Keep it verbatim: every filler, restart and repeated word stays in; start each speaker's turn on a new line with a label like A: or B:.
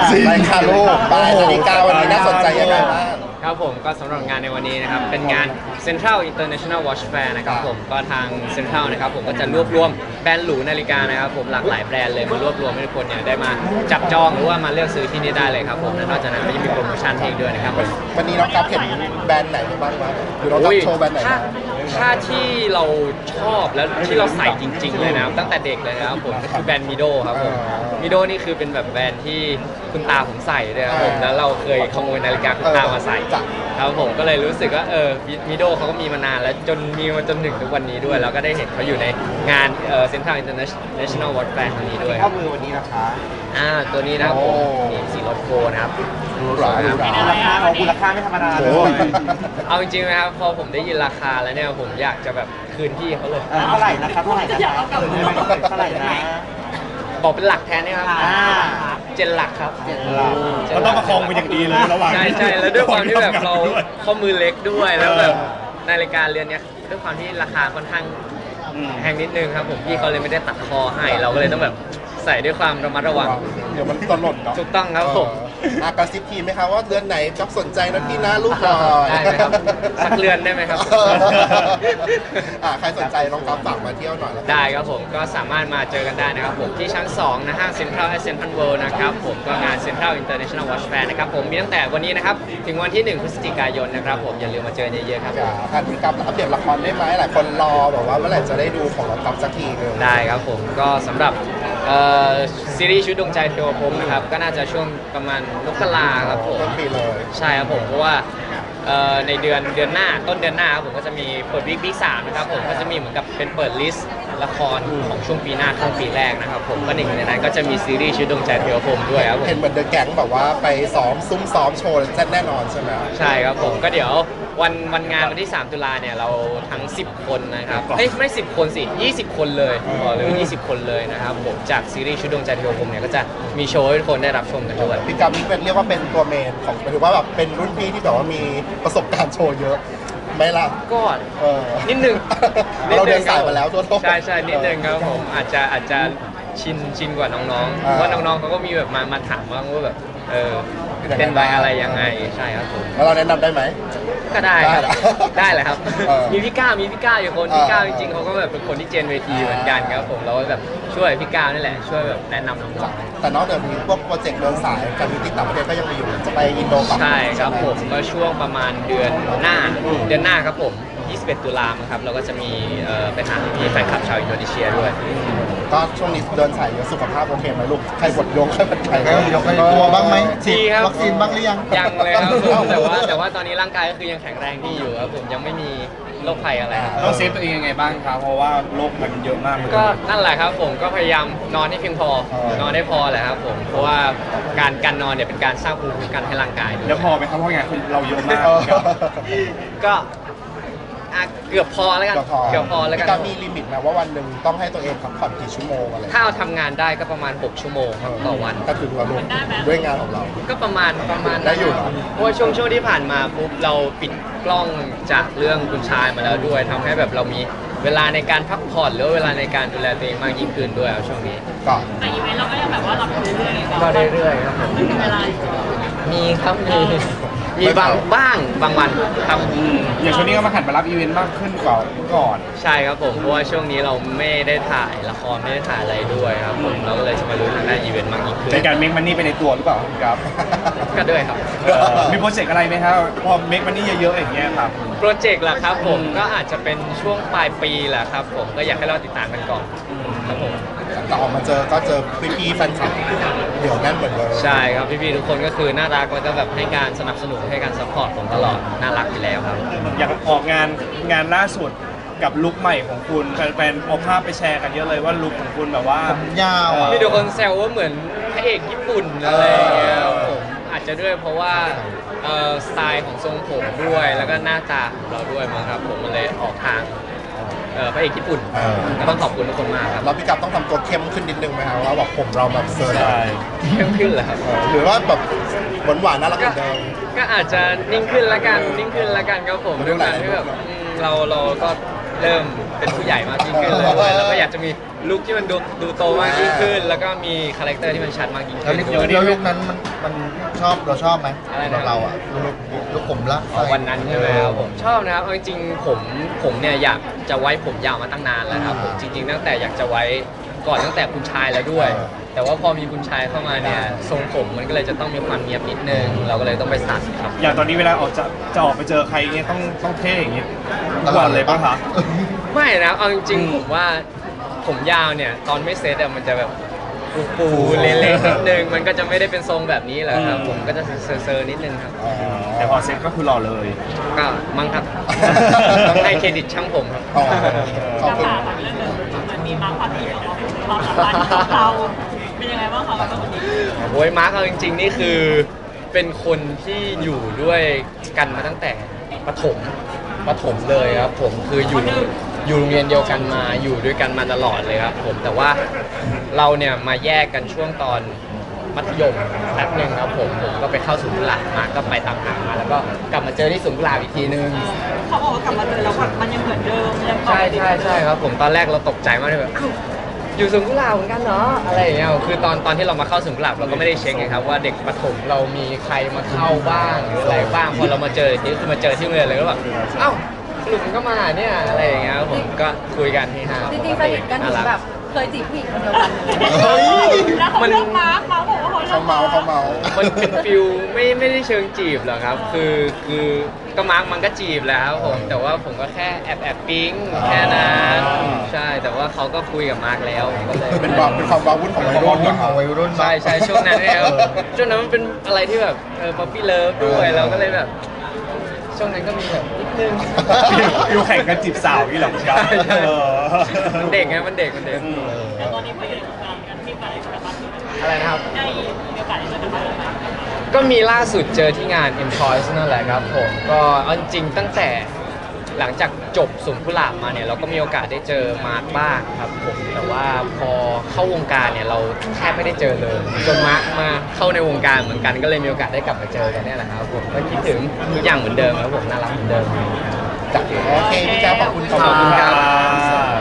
A: ไปค่ะลูกไปนาฬิกาวันนี้น่าสนใจยังไงบ้าง
B: ครับผมก็สำหรับงานในวันนี้นะครับเป็นงาน Central International Watch Fair นะครับผมก็ทาง Central นะครับผมก็จะรวบรวมแบรนด์หรูนาฬิกานะครับผมหลากหลายแบรนด์เลยมารวบรวมให้ทุกคนเนี่ยได้มาจับจองหรือว่ามาเลือกซื้อที่นี่ได้เลยครับผมและนอกจากนั้นก็ยังมีโปรโมชั่นให้อีกด้วยนะครับผม
A: วันนี้น้องกัฟเห็นแบรนด์ไหนบ้างวะหรือน้องกัฟโชว์แบรนด์ไหน
B: ถ้า
A: บ้าง
B: ถ้าที่เราชอบแล้วที่เราใส่จริง ๆ เลยนะครับตั้งแต่เด็กเลยนะครับผมก็คือแบรนด์มิโดครับผมมิโดนี่คือเป็นแบบแบรนด์ที่คุณตาผมใส่เลยครับผมแล้วเราเคยขโมยนาฬิกาคุณตามาใส่ครับผมก็เลยรู้สึกว่าเออมิโดเขาก็มีมานานแล้วจนมีมาจนถึงทุกวันนี้ด้วยแล้วก็ได้เห็นเขาอยู่ในงานเอ่อ Central International Watch Fair ครั้งนี้ด้วย
A: ข้อมือวันนี้นะคะ
B: อ่าตัวนี้นะครับผมนี่สีรถโกนะครับ
A: ดูหราดูหรา
C: ราคาของคุณราคาไม่ธรรมดาเลย
B: เอาจริงๆนะครับพอผมได้ยินราคาแล้วเนี่ยผมอยากจะแบบคืนพี่เขาเลย
C: เท่าไหร่นะครับเท่าไหร่นะครับเท่าไหร่นะ
B: บอกเป็นหลักแทนนะครับ
C: อ่า
B: เจ็ดหลักครับ
C: เจ็ดหลัก
D: ก็ต้องประคองไปอย่างดีเลยระหว่าง
B: ใช่ใช่แล้วด้วยความที่แบบเรา
D: ด้วย
B: ข้อมือเล็กด้วยแล้วแบบนาฬิกาเรือนเนี้ยด้วยความที่ราคาค่อนข้าง
D: อืม
B: แพงนิดนึงครับผมพี่เขาเลยไม่ได้ตัดคอให้เราก็เลยต้องแบบใส่ด้วยความระมัดระวัง
A: เดี๋ยวมันตลดเนาะ
B: ถูกต้องครับผม
A: อากระซิบทีไหมครับว่าเดือนไหนกัฟสนใจนะพี่นะลูกหน่อย
B: ได้ไหมครับสักเรือนได้ไหมครับ
A: อ่าใครสนใจน้องกัฟฝากมาเที่ยวหน่อยแล้วกัน
B: ได้ครับผมก็สามารถมาเจอกันได้นะครับผมที่ชั้น สองนะห้างเซ็นทรัลแอสเซนทรัลเวิลด์นะครับผมก็งาน Central International Watch Fair นะครับผมมีตั้งแต่วันนี้นะครับถึงวันที่หนึ่งพฤศจิกายนนะครับผมอย่าลืมมาเจอเยอะๆครับ
A: จะทันพี่กัฟอัปเดตละครได้ไหมหลายคนรอแบบว่าเมื่อไหร่จะได้ดูของน้องกัฟสักทีหนึง
B: ได้ครับผมก็สำหรับเอ่อซีรีส์ชุดดวงใจเทวพรหมนะครับก็น่าจะช่วงประมาณมกราครับผม
A: ต้นปีเลย
B: ใช่ครับผมเพราะว่าเอ่อในเดือนเดือนหน้าต้นเดือนหน้าครับผมก็จะมีเปิดวิกวิกสามนะครับผมก็จะมีเหมือนกับเป็นเปิดลิสต์ละครของช่วงปีหน้าครึ่งปีแรกนะครับผมก็หนึ่งในนั้นก็จะมีซีรีส์ชุดดวงใจเทวพรหมด้วยครับผม
A: เห็นเหมือนเดอะแก๊งแบบว่าไปซ้อมซุ้มซ้อมโชว์แน่แน่นอนใช่ไหม
B: ใช่ครับผมก็เดี๋ยววันวันงานวันที่สามตุลาเนี่ยเราทั้งสิบคนนะครับเอ้ยไม่สิบคนสิยี่สิบคนเลยบอกเลยว่ายี่สิบคนเลยนะครับผมจากซีรีส์ชุดดวงใจเทวพรหมเนี่ยก็จะมีโชว์ให้ทุกคนได้รับชมกันด้วย
A: พี่กัฟนี่เป็นเรียกว่าเป็นตัวเมนของหมายถึงว่าแบบเป็นรุ่นพี่ที่แบบว่ามีประสบการณ์โชว์เยอะไหมล่ะ
B: ก็
A: เออ
B: นิดนึง
A: เราเดินสายมาแล้วทั่วโลก
B: ใช่ใช่นิดนึงครับผมอาจจะอาจจะชินชินกว่าน้องๆ
A: อ่า
B: เพราะน้องๆเขาก็มีแบบมามาถามบ้างว่าแบบเออเป็นใบอะไรยังไงใช่ครับผม
A: แล้วเราแนะนำได้ไหม
B: ก็ได้ครับ
A: ได้
B: ได้แหละครับ
A: เออ
B: มีพี่ก้าวมีพี่ก้าวอยู่คน
A: เออ
B: พี่ก้าวจริงๆเขาก็แบบเป็นคนที่เจนเวทีเหมือนกันครับผมเราก็แบบช่วยพี่ก้าวนี่แหละช่วยแบบแนะนำน้อง
A: แต่นอกจากนี้พวกโปรเจกต์เดินสายการมิติต่างประเทศก็ยังมีอยู่จะไปอินโดฝั่ง
B: ๆใช่ครับผมก็ช่วงประมาณเดือนหน้าเดือนหน้าครับผมยี่สิบเอ็ดตุลาคมครับเราก็จะมีเอ่อไปหาพี่แฟนคลับชาวอินโดนีเซียด้วย
A: ก็ช่วงนี้เดินสายเยอะสุขภาพโอเคไหมลูกใครบดยกใครบดใคร
E: ใครยกใครตัวบ้างไหมฉี
B: ดี
E: ด
B: ครับ
E: วัคซีนบ้างหรือยัง
B: ยังเลยครับผมแต่ว่าแต่ว่าตอนนี้ร่างกายก็คือยังแข็งแรงดีอยู่ครับผมยังไม่มีโรคภัยอะไรครับ
D: ต้องเซฟตัวเองยังไงบ้างครับเพราะว่าโรคมันเยอะมากเลย
B: ก็นั่นแหละครับผมก็พยายามนอนให้เพียงพอนอนได้พอแหละครับผมเพราะว่าการการนอนเนี่ยเป็นการสร้างภูมิคุ้มกันให้ร่างกายด้วย
D: แล้วพอไหมครับเพราะงานเราเยอะมาก
A: เออ
B: ก็อ่ะเกือบพอแล้วกัน
A: ก็พอ
B: เกือบพอแล้วกัน
A: พี่กัฟมีลิมิตไหมว่าวันหนึ่งต้องให้ตัวเองพักผ่อนกี่ชั่วโมงอะไร
B: ถ้าเอาทำงานได้ก็ประมาณหกชั่วโมงครับต่อวัน
A: ก็ถึงเราลูกด้วยงานของเรา
B: ก็ประมาณประมาณ
A: ได้อยู่เหรอ
B: เพราะว่าช่วงช่วงที่ผ่านมาปุ๊บเราปิดกล้องจากเรื่องคุณชายมาแล้วด้วยทำให้แบบเรามีเวลาในการพักผ่อนหรือว่าเวลาในการดูแลตัวเองมากยิ่งขึ้นด้วยครับช่วงนี้
A: ก็
F: แต่อีเวนต์เราก็ยังแบบว่ารับเรื่อยๆ
B: ก็เรื่อยๆครับผม
F: ไม่มีเวลา
B: มีครับมีมีบางบ้างบางวันครับ
D: อืมอย่างช่วงนี้ก็มาหันมารับอีเวนต์มากขึ้นกว่าเมื่อก่อน
B: ใช่ครับผมเพราะว่าช่วงนี้เราไม่ได้ถ่ายละครไม่ได้ถ่ายอะไรด้วยครับผมเราก็เลยจะมารู้ทางด้านอีเวนต์มากยิ่งขึ้น
D: ในการเมคมันนี่ไปในตัวหรือเปล่าครับ
B: ก็ด้วยครับ
D: เออมีโปรเจกต์อะไรไหมครับพอเมคมันนี่เยอะๆอย่างเงี้ยครับ
B: โปรเจกต์ล่ะครับผมก็อาจจะเป็นช่วงปลายปีแหละครับผมก็อยากให้เราติดตามกันก่อนครับผม
A: แต่ออกมาเจอก็เจอพี่ๆแฟนคลับเดี๋ยวแน่นเหมือนเดิม
B: ใช่ครับพี่ๆทุกคนก็คือน่ารักแล้วก็แบบให้การสนับสนุนให้การซัพพอร์ตผมตลอดน่ารักอยู่แล้วครับ
D: อยากออกงานงานล่าสุดกับลุคใหม่ของคุณแฟนๆเอาภาพไปแชร์กันเยอะเลยว่าลุคของคุณแบบว่า
E: ผมยาวอ่ะ
B: มีทุกคนแซวว่าเหมือนพระเอกญี่ปุ่นอะไรอย่างเงี้ยครับผมอาจจะด้วยเพราะว่าเอ่อสไตล์ของทรงผมด้วยแล้วก็หน้าตาของเราด้วยมั้งครับผมมันเลยออกทางเอ่อพระเอกญี่ปุ่น
A: เออ
B: ก็ต้องขอบคุณทุกคนมากครับ
A: แล้วพี่กัฟต้องทำตัวเข้มขึ้นนิดนึงไหมครับว่าแบบผมเราแบบเซอร์
D: ใช่
B: เข้มขึ้นเหรอครับ
A: เออหรือว่าแบบหวานหวานๆน่ารักเห
B: ก็
A: มือนเดิม
B: ก็อาจจะนิ่งขึ้นละกันนิ่งขึ้นละกันครับผม
A: เรื่
B: ด้
A: อ
B: ว
A: ง
B: ย
A: อะไร
B: การที่แบบอืมเราเราก็เริ่มเป็นผู้ใหญ่มากยิ่งขึ้นเลยด้วยแล้วก็อยากจะมีลุคที่มันดูดูโตมากยิ่งขึ้น แล้วก็มีคาแรคเตอร์ที่มันชัดมากยิ่ง
E: แล้ว
B: ขึ้น
E: นี่แล้วลุกนั้นมันมันชอบเราชอบไหม
B: อะไรนะ
E: เราอะลุกลุกผมละ
B: อ๋อวันนั้นใช่ไหมครับผมชอบนะครับเอาจริงๆผมผมเนี่ยอยากจะไว้ผมยาวมาตั้งนานแล้วครับผมจริง ๆ ตั้งแต่อยากจะไว้ก่อนตั้งแต่คุณชายแล้วด้วย แต่ว่าพอมีคุณชายเข้ามาเนี่ยทรงผมมันก็เลยจะต้องมีความเนียบนิดนึงเราก็เลยต้องไปตัดครับ
D: อย่างตอนนี้เวลาออกจะจะออกไปเจอใครเงี้ยต้องต้องเท่อย่างเงี้ยทุกวันเลยป่ะคะ
B: ไม่นะเอาจริงๆผมว่าผมยาวเนี่ยตอนไม่เซตอะมันจะแบบปูๆเละๆนิดนึงมันก็จะไม่ได้เป็นทรงแบบนี้แหละครับผมก็จะเซอร์ๆนิดนึงครับ
D: แต่พอเซ็ตก็คือหล่อเลย
B: ก็มั้งครับ ต้องให้เครดิตช่างผมครับ
A: อ๋อขอบ
F: จะ
A: คุณ
F: ฝากเรื่องหนึงมันมีมาความที่ของความสัมพันธ์ของเราเป็นยังไงบ้างคะกับคนนี้
B: โอ้ยมาร์คเอาจริงๆนี่คือเป็นคนที่อยู่ด้วยกันมาตั้งแต่ประถมประถมเลยครับผมคืออยู่อยู่โรงเรียนเดียวกันมาอยู่ด้วยกันมาตลอดเลยครับผมแต่ว่าเราเนี่ยมาแยกกันช่วงตอนมัธยมแป๊บหนึ่งครับผมผมก็ไปเข้าศูนย์กุหลาบมาก็ไปตามหามาแล้วก็กลับมาเจอที่ศูนย์กุหลาบอีกทีนึง
F: เขาบอกว่ากลับมาเจอแล้วแบบมันยังเหมือนเดิมยัง
B: ใช่ใช่ใช่ครับผมตอนแรกเราตกใจมากเลยแบบอ้าวอยู่ศูนย์กุหลาบเหมือนกันเนาะอะไรอย่างเงี้ยคือตอนตอนที่เรามาเข้าศูนย์กุหลาบเราก็ไม่ได้เช็คไงครับว่าเด็กประถมเรามีใครมาเข้าบ้างหรืออะไรบ้างพอเรามาเจอนี่คือมาเจอที่โรงเรียนเลยก็แบบเอ้าสรุปมันก็มาเนี่ยอะไรอย่างเงี้ยครับผมก็คุยกันที่ห้า
G: จริงๆสนิทกันถึงแบบเคยจีบผู้หญิงคนเดียวกันเลย
A: เฮ้ย
F: แล้วเขาเลือกมาร์คมาร์คบอกว่าเขาเลื
A: เขา
F: อก
A: เมาเขาเมา
B: มันเป็นฟิลไม่ไม่ได้เชิงจีบหรอกครับ คือคือก็มาร์กมันก็จีบแล้วครับผมแต่ว่าผมก็แค่แอบแอบปิ๊งแค่นั้นใช่แต่ว่าเขาก็คุยกับมาร์กแล้วก็เลย
A: เป็นความเป็นความว้าวุ่นของวัยรุ่น
E: รุ่น
A: นะ
E: ของวัยรุ่น
B: ใช่ใช่ช่วงนั้นเนี่ยครับช่วงนั้นมันเป็นอะไรที่แบบเออป๊อปปี้เลิฟด้วยเราก็เลยแบบ ช่วงนั้นก็มีแบบนิดนึง
D: อยู่แข่งกันจีบสาวนี่เหรอคุณครับ
B: ใช่ใช่
D: เออ
B: มันเด็กไงมันเด็กมันเด็ก
F: แต่ตอนนี้พออยู่ในวงการกันมีโอกาสได้เจอกันบ้างไหม
B: อะไรนะครับ
F: ได้มีโอกาสได้เจอกันบ้างไหม
B: ก็มีล่าสุดเจอที่งาน M Choice นั่นแหละครับผมก็เอาจริงๆตั้งแต่หลังจากจบสวนกุหลาบมาเนี่ยเราก็มีโอกาสได้เจอมาร์คบ้างครับผมแต่ว่าพอเข้าวงการเนี่ยเราแทบไม่ได้เจอเลยจนมาร์คมาเข้าในวงการเหมือนกันก็เลยมีโอกาสได้กลับมาเจอกันเนี่ยแหละครับผมก็คิดถึงทุกอย่างเหมือนเดิมครับผมน่ารักเหมือนเดิม
A: โอเคพี่แจ๊คขอบคุณ
B: ขอบคุณครับ
D: อ่า